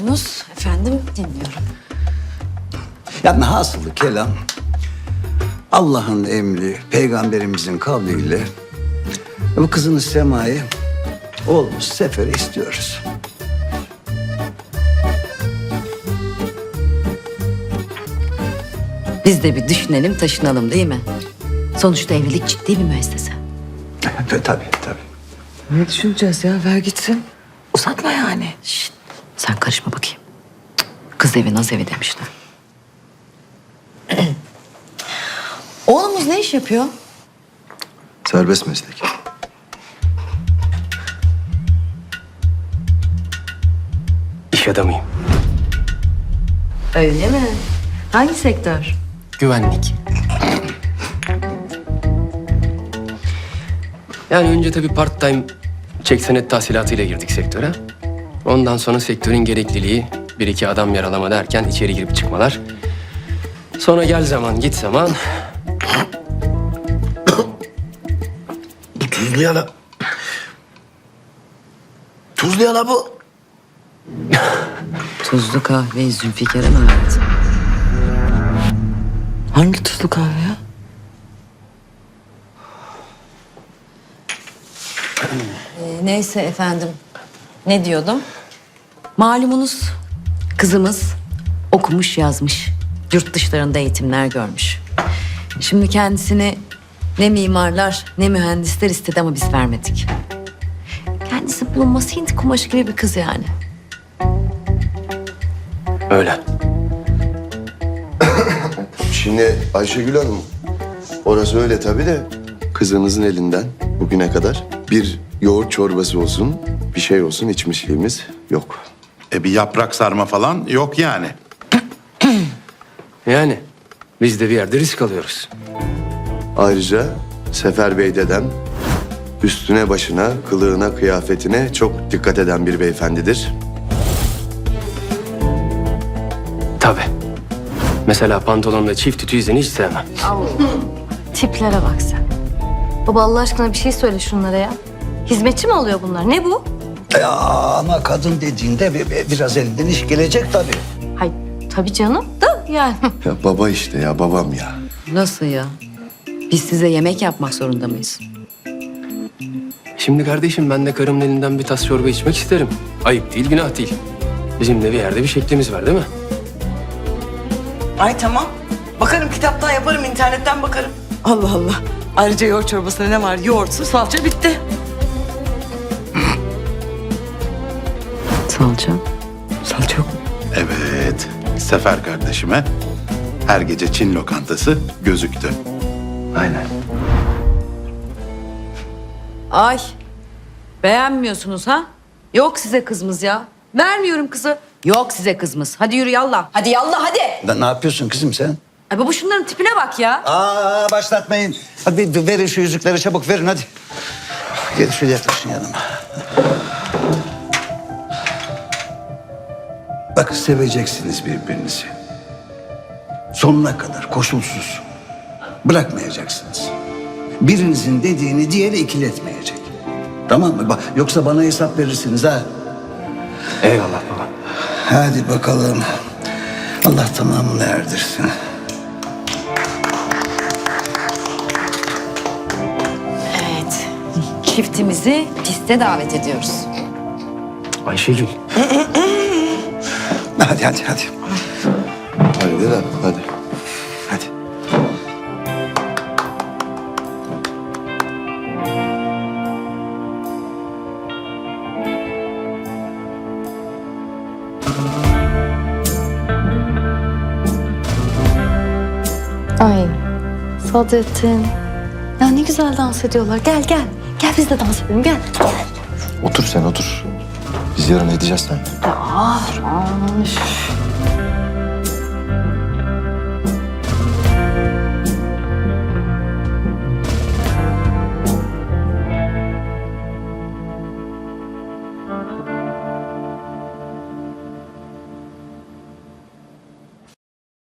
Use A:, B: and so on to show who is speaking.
A: diyordunuz efendim, dinliyorum.
B: Yani hasılı kelam, Allah'ın emri, peygamberimizin kavliyle bu kızınız Sema'yı oğlumuz Sefer'e istiyoruz.
A: Biz de bir düşünelim, taşınalım değil mi? Sonuçta evlilik ciddi bir müessese.
B: Tabii.
C: Ne düşüneceğiz ya? Ver gitsin. Uzatma yani.
A: Şişt, sen karışma bakayım. Cık, kız evi naz evi demişler. Oğlumuz ne iş yapıyor?
D: Serbest meslek.
E: İş adamıyım.
A: Öyle mi? Hangi sektör?
E: Güvenlik. Yani önce tabii part time çek senet tahsilatıyla girdik sektöre. Ondan sonra sektörün gerekliliği, bir iki adam yaralama derken içeri girip çıkmalar. Sonra gel zaman git zaman.
D: Bu tuzlu yala. Tuzlu yala bu.
A: Tuzlu kahve Zülfikar'a mı verdin?
C: Hangi tuzlu kahve ya?
A: Neyse efendim. Ne diyordum? Malumunuz kızımız okumuş yazmış. Yurt dışlarında eğitimler görmüş. Şimdi kendisini ne mimarlar ne mühendisler istedi ama biz vermedik. Kendisi bulunması Hint kumaşı gibi bir kız yani.
E: Öyle.
D: Şimdi Ayşegül Hanım, orası öyle tabii de kızınızın elinden bugüne kadar bir yoğurt çorbası olsun, bir şey olsun içmişliğimiz yok.
F: Bir yaprak sarma falan yok yani.
E: Yani biz de bir yerde risk alıyoruz.
D: Ayrıca Sefer Bey dedem üstüne başına, kılığına, kıyafetine çok dikkat eden bir beyefendidir.
E: Tabii. Mesela pantolonla çift ütü izini hiç sevmem.
G: Tiplere bak sen. Baba Allah aşkına bir şey söyle şunlara ya. Hizmetçi mi oluyor bunlar? Ne bu?
B: Ya ama kadın dediğinde biraz elinden iş gelecek tabii.
G: Hay tabii canım da yani.
D: Ya baba işte ya, babam ya.
A: Nasıl ya? Biz size yemek yapmak zorunda mıyız?
E: Şimdi kardeşim ben de karımın elinden bir tas çorba içmek isterim. Ayıp değil, günah değil. Bizim de bir yerde bir şeklimiz var değil mi?
C: Ay tamam. Bakarım kitaptan yaparım, internetten bakarım. Allah Allah. Ayrıca yoğurt çorbasında ne var? Yoğurtsuz salça bitti.
A: Salça.
C: Salça yok mu?
F: Evet, Sefer kardeşime her gece Çin lokantası gözüktü.
D: Aynen.
A: Ay, beğenmiyorsunuz ha? Yok size kızımız ya. Vermiyorum kızı. Yok size kızımız. Hadi yürü yallah. Hadi yallah hadi.
B: Ne yapıyorsun kızım sen?
A: Ay baba şunların tipine bak ya.
B: Başlatmayın. Hadi verin şu yüzükleri çabuk verin hadi. Gel şöyle yaklaşın yanıma. Bak seveceksiniz birbirinizi. Sonuna kadar koşulsuz. Bırakmayacaksınız. Birinizin dediğini diğeri ikiletmeyecek. Tamam mı? Yoksa bana hesap verirsiniz ha.
E: Eyvallah baba.
B: Hadi bakalım. Allah tamamını erdirsin.
A: Evet. Çiftimizi piste davet ediyoruz.
E: Ayşegül.
B: Hadi.
D: Hadi dedem, hadi.
B: Hadi.
G: Ay Sadrettin. Ya ne güzel dans ediyorlar. Gel gel. Gel biz de dans edelim gel.
D: Otur sen otur. Biz yarın edeceğiz sen.
G: Aman üf.